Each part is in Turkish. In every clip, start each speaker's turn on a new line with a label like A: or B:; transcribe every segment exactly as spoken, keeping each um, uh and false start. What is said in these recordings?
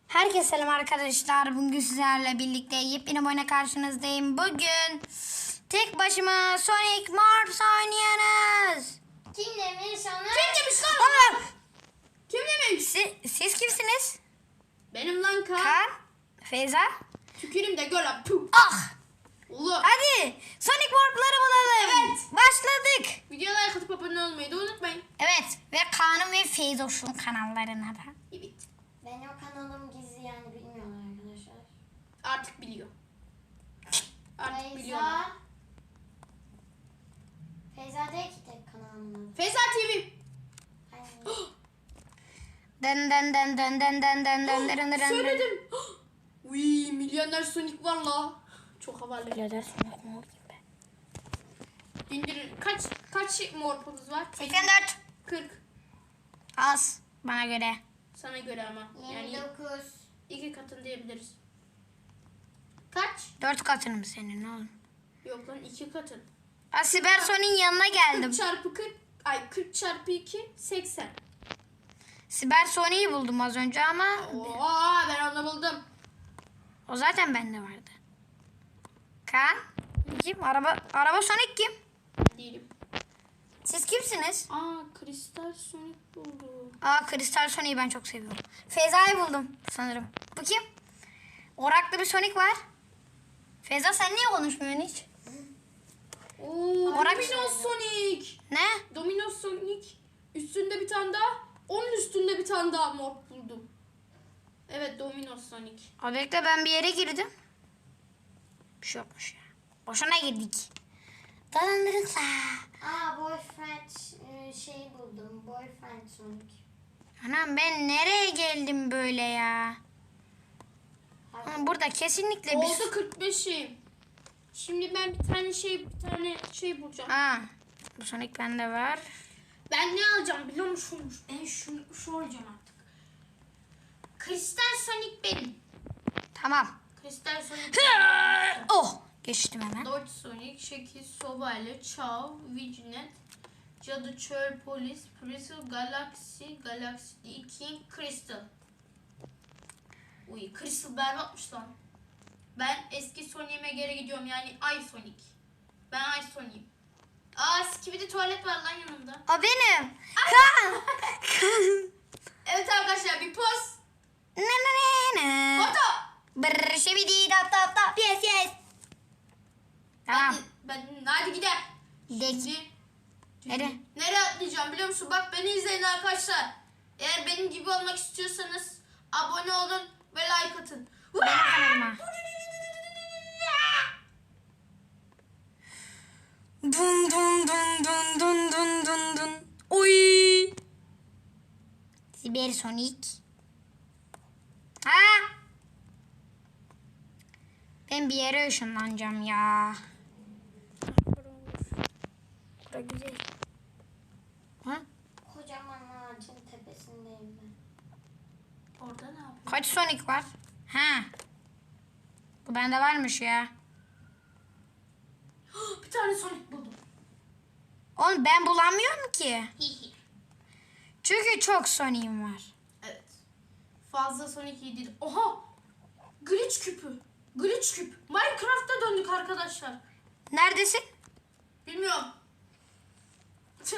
A: Herkese selam arkadaşlar. Bugün sizlerle birlikte yepyeni bir oyuna karşınızdayım. Bugün tek başıma Sonic Mars oynuyoruz.
B: Kim demiş onu?
A: Kim demiş lan? Oğlum,
B: Kim demiş?
A: siz, siz kimsiniz?
B: Benim lan kan.
A: Kaan, Feyza.
B: Tükürüm de gör lan. Puh.
A: Ah!
B: Oğlum.
A: Hadi Sonic Warp'ları bulalım.
B: Evet.
A: Başladık.
B: Videoya like atıp abone olmayı da unutmayın.
A: Evet ve Kaan'ın ve Feyzoş'un kanallarına da.
B: Evet.
C: Benim kanalım gizli yani bilmiyorlar arkadaşlar.
B: Artık biliyor. Artık biliyorlar.
C: Feyza. Feyza değil ki tek kanalımın adı.
B: Feyza T V.
C: Aynen.
A: Dın dın dın dın dın dın dın dın dın dın dın.
B: Söyledim. Uy, milyoner Sonic var la. Çok havalı.
A: Birader Sonic mi olayım ben?
B: İndirin. Kaç kaç morpumuz var?
A: seksen dört.
B: kırk.
A: Az bana göre.
B: Sana göre ama. Yani
C: yirmi dokuz.
B: iki katın diyebiliriz. Kaç?
A: Dört katın mı senin oğlum?
B: Yok lan iki katın.
A: Ben Siber Sonic'in yanına geldim.
B: kırk çarpı kırk. Ay kırk çarpı iki seksen.
A: Siber Sonic'i buldum az önce ama
B: Oo, ben onu buldum.
A: o zaten bende vardı. Kaan? Kim? Araba, araba Sonic kim?
B: Değilim.
A: Siz kimsiniz?
B: Aa, kristal Sonic buldum.
A: Aa Kristal Sonic'i ben çok seviyorum. Feyza'yı buldum sanırım. Bu kim? Oraklı bir Sonic var. Feyza sen niye konuşmuyorsun hiç?
B: Oo,
A: Orak-
B: Dominos Sonic.
A: Ne?
B: Dominos Sonic. Üstünde bir tane daha. Onun üstünde bir tane daha mor buldum. Evet, Dominos Sonic.
A: O bekle ben bir yere girdim. Bir şey yokmuş ya. Boşuna girdik. Dalandırıkla.
C: Aa boyfriend e, şey buldum. Boyfriend Sonic.
A: Anam ben nereye geldim böyle ya? Ama burada kesinlikle bir...
B: Oldu kırk beşim. Şimdi ben bir tane şey bir tane şey bulacağım.
A: Ha, bu Sonic bende var.
B: Ben ne alacağım biliyor musun? Ben şunu şu alacağım artık. Kristal Sonic benim.
A: Tamam.
B: Kristal Sonic.
A: Oh, geçtim hemen.
B: Dodge Sonic, Şekil, Sobayla, Chow, Vigilant, Cadı, Çöl, Polis, Crystal, Galaxy, Galaxy değil, King, Crystal. Uy, Crystal berbatmış lan. Ben eski Sonic'ime geri gidiyorum, yani Ay Sonic. Ben Ay Sonic'im. Aa, Skibidi tuvalet var lan yanımda.
A: O benim. Kaan.
B: Evet arkadaşlar, bir poz.
A: Ne ne ne ne.
B: Foto.
A: Brrr şibidi tap tap tap. Yes yes. Tamam.
B: Ben, ben, hadi gidelim.
A: Gidelim.
B: Şimdi-
A: Nereye?
B: Nereye atlayacağım biliyor musun? Bak beni izleyin arkadaşlar. Eğer benim gibi olmak istiyorsanız abone olun ve like atın.
A: Benim kanalıma. Dun dun dun dun dun dun dun dun. Uy. Siber Sonic. Ha? Ben bir yere ışınlanacağım ya. Bura güzel. Ha?
C: Kocaman ağacın tepesindeyim ben.
B: Orada ne yapıyorsun?
A: Kaç Sonic var? Ha. Bu bende varmış ya.
B: Bir tane Sonic buldum.
A: Oğlum ben bulamıyorum ki. Çünkü çok Sonic'im var.
B: Evet. Fazla Sonic iyi değil. Oha! Glitch küpü. Glitch küp. Minecraft'a döndük arkadaşlar.
A: Neredesin?
B: Bilmiyorum. Tüh.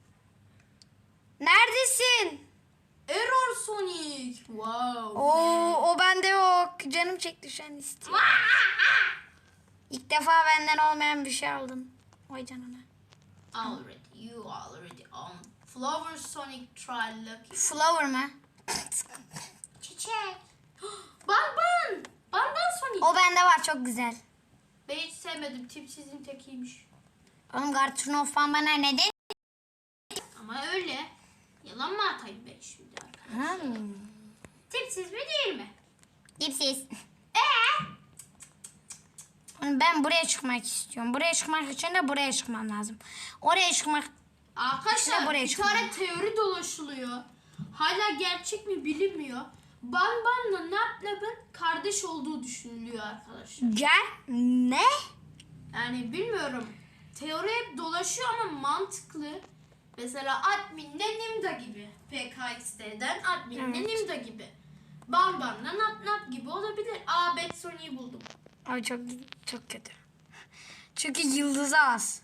A: Neredesin?
B: Error Sonic. Wow.
A: Oo, o bende yok. Canım çekti şu an istiyor. İlk defa benden olmayan bir şey aldım. Vay canına.
B: Already. You already on. Flower Sonic try lucky.
A: Flower mı?
C: Çiçek.
B: Banban. Banban Sonic.
A: O bende var çok güzel.
B: Ben hiç sevmedim. Tipsizin tekiymiş.
A: Oğlum Gartrunof bana ne dedi?
B: Ama öyle. Yalan mı atayım ben şimdi arkadaşlar?
A: Hmm.
B: Tipsiz mi değil mi?
A: Dipsiz.
B: Eee?
A: Oğlum ben buraya çıkmak istiyorum. Buraya çıkmak için de buraya çıkmam lazım. Oraya çıkmak...
B: Arkadaşlar
A: İşte buraya
B: bir
A: çıkıyor.
B: tane teori dolaşılıyor. Hala gerçek mi bilinmiyor. Banban'la Naplab'ın kardeş olduğu düşünülüyor arkadaşlar.
A: Gel. Ne?
B: Yani bilmiyorum. Teori hep dolaşıyor ama mantıklı. Mesela adminle Nimda gibi. P K X D'den adminle
A: Evet.
B: Nimda gibi. Banban'la Nap Nap gibi olabilir. Aa Bad Sonic'i buldum.
A: Ay çok çok kötü. Çünkü yıldızı az.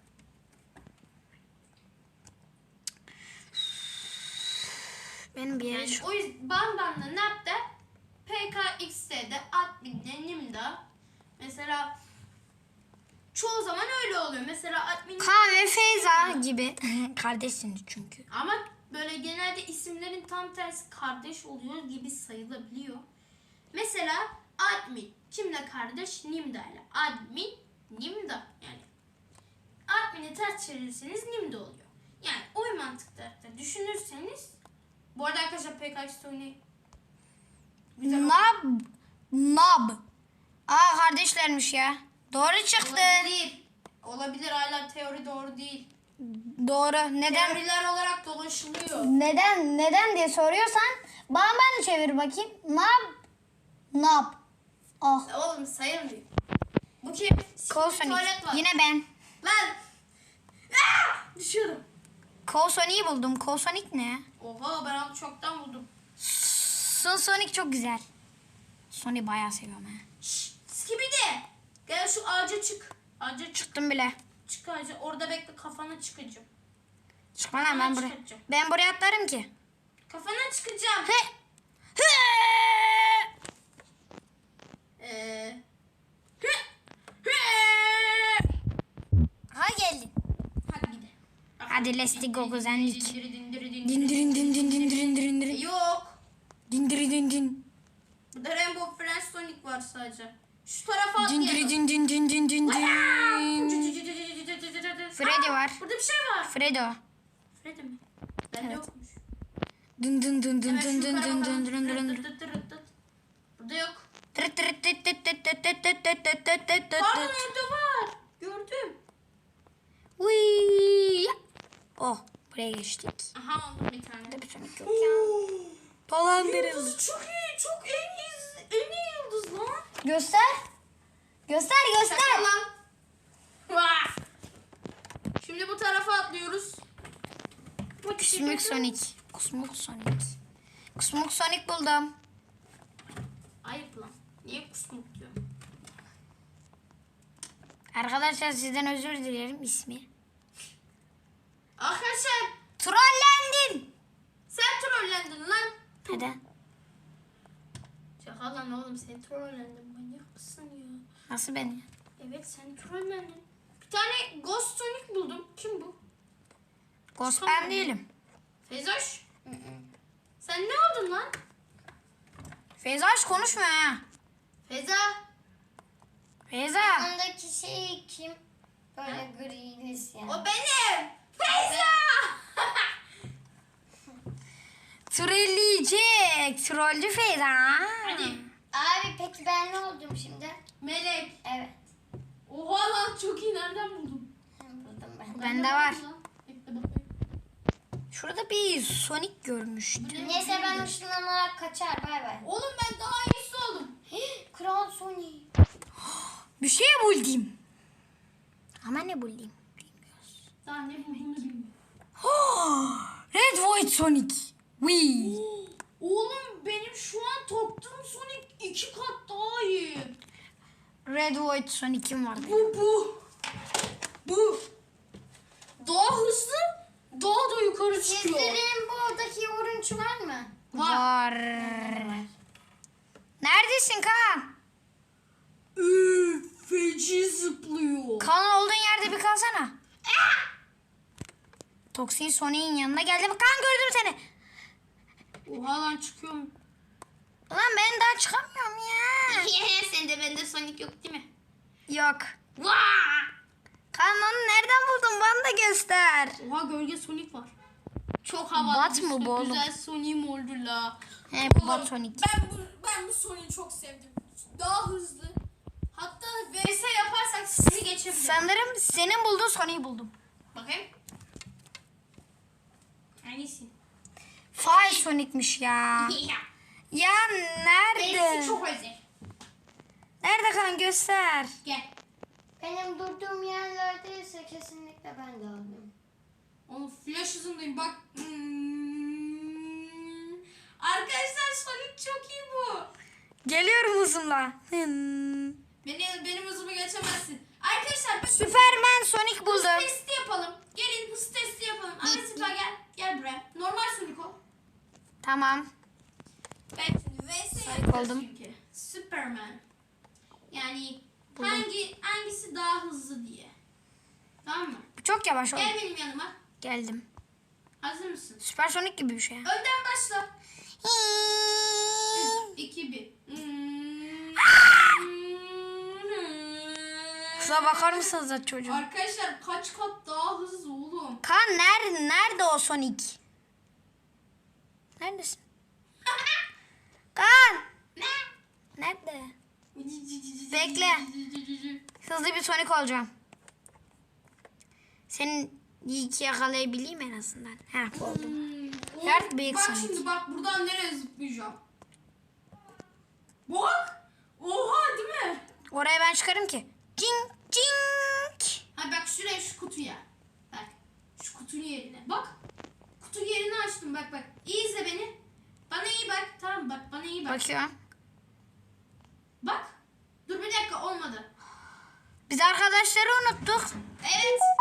A: Benim bir yere
B: Yani
A: şu.
B: o yüzden Banban'la Nap da P K X'de, Admin'de, Nim'da mesela çoğu zaman öyle oluyor. Mesela Admin
A: Kaan ve Feyza gibi. Kardeşsiniz çünkü.
B: ama böyle genelde isimlerin tam tersi kardeş oluyor gibi sayılabiliyor. Mesela Admin kimle kardeş? Nimda'yla. Admin Nimda yani. Admin'i ters çevirirseniz Nimda oluyor. Yani o mantıkta da düşünürseniz bu arada arkadaşlar P K X oyunu güzel oldu.
A: Nab. Nab. Aa kardeşlermiş ya. Doğru çıktı.
B: Olabilir. Olabilir hala teori doğru değil.
A: Doğru. Neden?
B: Teoriler olarak dolaşılıyor.
A: Neden? Neden diye soruyorsan bana ben de çevir bakayım. Nab. Nab. Oh.
B: Oğlum sayılmıyor. Bu kim?
A: Kol
B: Siktir tuvalet var.
A: Yine ben.
B: Lan. Aa! Düşüyorum.
A: Kol Sonic'i buldum. Kol Sonic ne?
B: Oha ben onu çoktan buldum.
A: Son Sonic çok güzel. Sonic'i bayağı seviyorum ha.
B: Şşş. Skibidi. Gel şu ağaca çık. Ağaca çık.
A: Çıktım bile.
B: Çık ağaca. Orada bekle kafana çıkacağım.
A: Çıkma lan ben buraya. Ben buraya atlarım ki.
B: Kafana çıkacağım.
A: He. He.
B: Eee.
A: Ha geldin.
B: Hadi gidelim.
A: Hadi let's go kuzenlik.
B: Dindiri dindiri dindiri.
A: Dindirin din din din din din din.
B: Yok.
A: Dindiri din din.
B: Burada Rainbow Friends Sonic var sadece. Şu tarafa
A: Dindiri
B: atlayalım.
A: din din din din din din. Freddy
B: Aa,
A: var.
B: Burada bir şey var.
A: Fredo.
B: Freddy mi? Bende yokmuş.
A: Dın dın dın dın
B: Hemen
A: dın
B: şu
A: dın
B: yukarı
A: dın
B: bakalım.
A: dın dın dın dın.
B: Tıt tıt tıt tıt. Burada yok.
A: Tırıt tırıt tıt tıt tıt tıt tıt tıt tıt tıt tıt tıt tıt.
B: Pardon orada var. Gördüm.
A: Uy. Oh buraya geçtik.
B: Aha aldım bir tane.
A: Burada bir Sonic yok ya. Dolandırıldı.
B: Yıldız çok iyi. Çok en iyi, en iyi yıldız lan.
A: Göster. Göster göster.
B: Şaka lan. Vah. Şimdi bu tarafa atlıyoruz.
A: Kusmuk Sonic. Kusmuk Sonic. Kusmuk Sonic buldum.
B: Ayıp lan. Niye kusmuk diyor?
A: Arkadaşlar sizden özür dilerim ismi.
B: Arkadaşlar
A: Trollendin.
B: sen trollendin lan.
A: Neden?
B: Şaka lan oğlum sen trollendin. Manyak mısın ya?
A: Nasıl ben ya?
B: Evet sen trollendin. Bir tane Ghost Sonic buldum. Kim bu?
A: Ghost ben değilim.
B: Fezoş. Sen ne oldun lan?
A: Feyza hiç konuşmuyor ha.
B: Feza.
A: Feyza.
C: Ondaki şey kim? Böyle grilis yani.
B: O benim. Feyza.
A: Trolleyecek. Trollcü Feyza.
B: Hadi.
C: Abi peki ben ne oldum şimdi?
B: Melek.
C: Evet.
B: Oha lan çok iyi. Nereden buldun?
C: Buldum ben.
A: Bende var.
B: buldum lan. Bekle bakayım.
A: Şurada bir Sonic görmüştüm.
B: Bu ne?
C: Neyse ben ışınlanarak kaçar. Bay bay.
B: Oğlum ben daha iyisi oldum.
C: Kral Sony.
A: Bir şey buldum. Ama ne buldum?
B: Daha ne bulduğunu bilmiyorum.
A: Red White Sonic. Wii.
B: Oğlum benim şu an taktığım Sonic iki kat daha iyi.
A: Red White Sonic'im vardı.
B: Bu bu. Bu. Daha hızlı, daha da yukarı çıkıyor.
C: Sizlerin buradaki yoruncu var mı?
A: Var. Neredesin Kaan?
B: Üf, feci zıplıyor.
A: Kaan olduğun yerde bir kalsana. Toksin Sonic'in yanına geldi. Kaan gördüm seni.
B: Oha lan çıkıyorum.
A: Ulan ben daha çıkamıyorum ya.
B: Sende bende Sonic yok değil mi?
A: Yok.
B: Vaa!
A: Kaan onu nereden buldun? Bana da göster.
B: Oha gölge Sonic var. Çok havalı.
A: Bat mı
B: bir
A: bu oğlum?
B: Güzel Sonic'im oldu la.
A: He bu Bat Sonic.
B: Ben bu, ben bu Sonic'i çok sevdim. Daha hızlı. Hatta V S yaparsak sizi geçebilirim.
A: Sanırım senin bulduğun Sonic'i buldum.
B: Bakayım. Hangisi?
A: Fire Sonic'miş ya. Ya nerede?
B: Benimki çok özel.
A: Nerede Kaan göster.
B: Gel.
C: Benim durduğum yerlerdeyse kesinlikle ben de aldım.
B: Oğlum flash hızındayım bak. Hmm. Arkadaşlar Sonic çok iyi bu.
A: Geliyorum hızımla. Hmm.
B: Beni, benim hızımı geçemezsin. Arkadaşlar biz
A: Süpermen Sonic
B: hız
A: buldum.
B: testi yapalım. Gelin hız testi yapalım. Ahmet Sıpa gel. Gel buraya. Normal Sonic ol.
A: Tamam.
B: Ben şimdi V S
A: Sonic
B: yapacağız
A: oldum.
B: çünkü. Superman. Yani hangi hangisi daha hızlı diye. Tamam mı?
A: Çok yavaş oldu.
B: Gel benim yanıma.
A: Geldim.
B: Hazır mısın?
A: Süper Sonic gibi bir şey.
B: Önden başla. üç, iki, bir.
A: Kıza bakar mısınız da çocuğum?
B: Arkadaşlar kaç kat daha hızlı oğlum.
A: Kaan nerede, nerede o Sonic? Neredesin? Kaan!
B: Ne?
A: Nerede? Bekle. Hızlı bir Sonic olacağım. Senin iyi ki yakalayabileyim en azından. Heh oldum.
B: Hmm,
A: Dert büyük
B: bak
A: Sonic.
B: şimdi bak buradan nereye zıplayacağım. Bak. Oha değil mi?
A: Oraya ben çıkarım ki. Cing cing.
B: Ha bak şuraya şu kutuya. Bak. Şu kutunun yerine. Bak. Kutu yerini açtım bak bak. İyi izle beni. Bana iyi bak. Tamam bak bana iyi bak.
A: Bakıyorum.
B: Bak. Dur bir dakika olmadı.
A: Biz arkadaşları unuttuk.
B: Evet.